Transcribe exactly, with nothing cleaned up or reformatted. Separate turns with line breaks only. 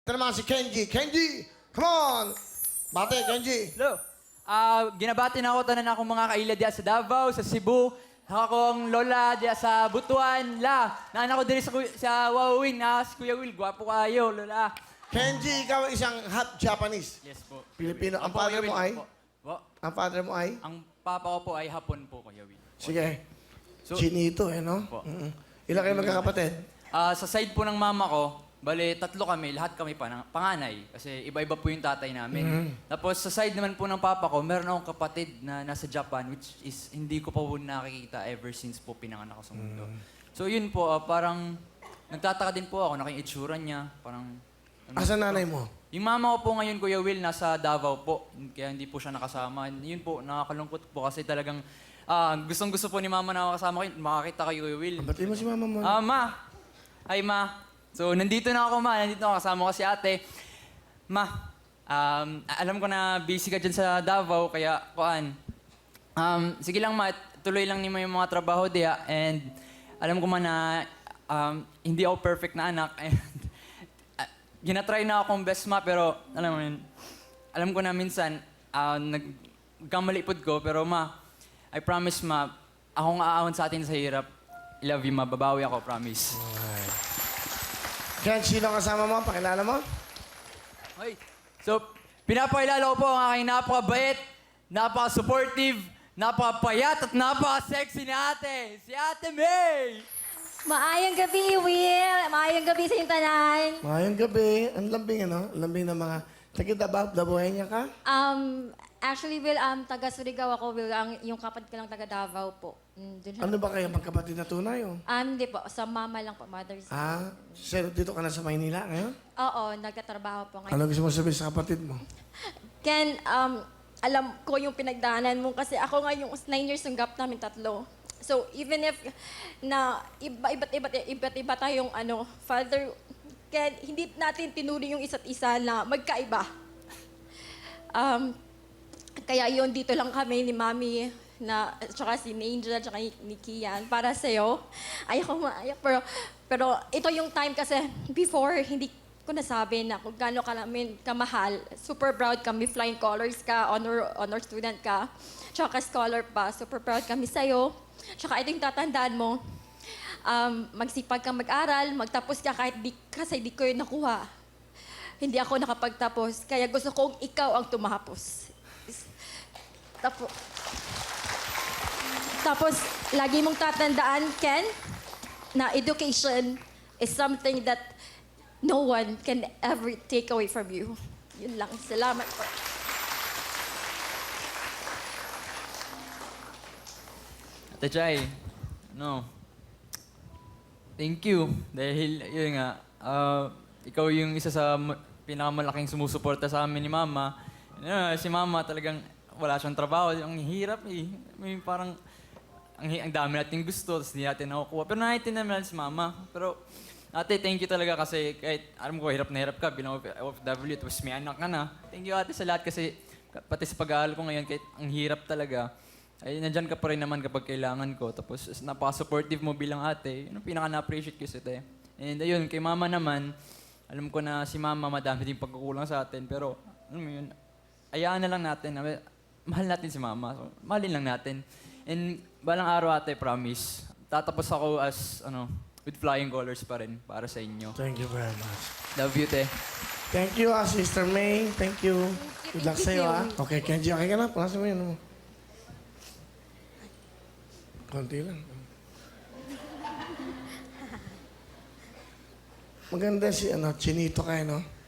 Ito naman si Kenji. Kenji, come on! Bate, Kenji.
Hello. Ah, ginabati na ako tanan akong mga kaila diya sa Davao, sa Cebu. Akong lola diya sa Butuan. La, naanak ko diri sa, kuy- sa Wawawin. Na si Kuya Will, gwapo kayo, lola.
Kenji, ikaw ay isang half Japanese.
Yes po.
Pilipino. Ang
Opo,
father
Kuya
mo
Will,
ay?
opo. Po.
Ang father mo ay?
Ang papa ko po ay Hapon po, Kuya Will.
Sige.
So-
Chinito eh, no?
Opo.
Mm-mm. Ilan kayo magkakapatid?
Ah, sa side po ng mama ko, bale, tatlo kami, lahat kami pa, panganay. Kasi iba-iba po yung tatay namin.
Mm-hmm.
Tapos sa side naman po ng papa ko, meron akong kapatid na nasa Japan, which is hindi ko pa po nakikita ever since po pinanganak ako sa mundo.
Mm-hmm.
So yun po, ah, parang nagtataka din po ako, naking itsura niya, parang... ano,
Asa nanay mo?
Yung mama ko po ngayon, Kuya Will, nasa Davao po. Kaya hindi po siya nakasama. Yun po, nakakalungkot po kasi talagang ah, gustong-gusto po ni mama na makasama kayo, makakita kayo, Kuya Will.
Batiin mo si mama mo.
Ah, ma. Hi, ma. So, nandito na ako, ma. Nandito na ako. Kasama ko si ate. Ma, um, alam ko na busy ka dyan sa Davao, kaya, kuan. Um, sige lang, ma. Tuloy lang ni mo yung mga trabaho diya. And alam ko man na um, hindi ako perfect na anak. And uh, ginatry na akong best, ma. Pero, alam mo yun, alam ko na minsan, uh, nagkamalipod ko. Pero, ma, I promise, ma, akong aahon sa atin sa hirap. I love you, ma. Babawi ako, promise.
Ken, sino ang kasama mo? Pakilala mo?
Okay. So, pinapakilala ko po ang aking napakabait, napaka-supportive, napaka-payat at napaka-sexy na ate, si Ate May!
Maayong gabi, Will. Maayong gabi sa inyong tanan.
Ngayong gabi, ang lambing, ano? Ang lambing ng mga... Tagit-abab, dabuhay niya ka?
Um, actually, Will, um, taga Surigao ako, Will. Ang, yung kapatid ko lang taga Davao po. Mm, dun siya.
Ano ba kayo, magkapatid na tunay, oh?
Um, hindi po. Sa mama lang po, mother's.
Ah, sir, dito ka na sa Maynila ngayon?
Oo, nagtatrabaho po ngayon.
Ano gusto mo sabihin sa kapatid mo?
Ken, um, alam ko yung pinagdaanan mo kasi ako nga yung nine years yung gap namin tatlo. So, even if na iba, iba't iba't iba't iba tayong ano, father, Ken, hindi natin tinuri yung isa't isa na magkaiba. Um, kaya yun, dito lang kami ni Mami na, tsaka si Angel, tsaka ni Kian, para sa'yo. Ayaw ko maayak, pero, pero ito yung time kasi before, hindi ko nasabi na kung gaano ka namin kamahal. Super proud kami, flying colors ka, honor, honor student ka, tsaka scholar pa. Super proud kami sa'yo. Tsaka ito yung tatandaan mo, um, magsipag kang mag-aral, magtapos ka kahit di, kasi di ko yun nakuha. Hindi ako nakapagtapos, kaya gusto kong ikaw ang tumapos. Tapos, tapos lagi mong tatandaan, Ken, na education is something that no one can ever take away from you. Yun lang. Salamat po.
Ate Chay, no. Thank you. Dahil, yun nga, ah, ikaw yung isa sa ma- pinakamalaking sumusuporta sa amin ni Mama. Yun, si Mama talagang wala siyang trabaho. Ang hirap eh. May parang, ang, hi- ang dami natin gusto, tapos hindi natin nakukuha. Pero naiintindihan naman si Mama. Pero, ate, thank you talaga kasi kahit, alam ko, hirap na hirap ka bilang O F W, tapos may anak ka na. Thank you, ate, sa lahat kasi pati sa pag-aaral ko ngayon, kahit ang hirap talaga, ay nandyan ka pa rin naman kapag kailangan ko. Tapos napaka-supportive mo bilang ate. Yun ang pinaka-na-appreciate ko sa ate. And ayun, kay mama naman, alam ko na si mama madami din pagkukulang sa atin. Pero, alam mo yun, ayaan na lang natin. na Mahal natin si mama. So, mahalin lang natin. And balang araw ate, promise, tatapos ako as, ano, with flying colors pa rin para sa inyo.
Thank you very much.
Love you, te.
Thank you, ah, Sister May. Thank you. Good luck
Thank
sa'yo,
you.
ah. Okay, Kenji, okay ka na? Palasin mo yun, ano mo. Konti lang. Maganda si, ano, Chinito kayo, no?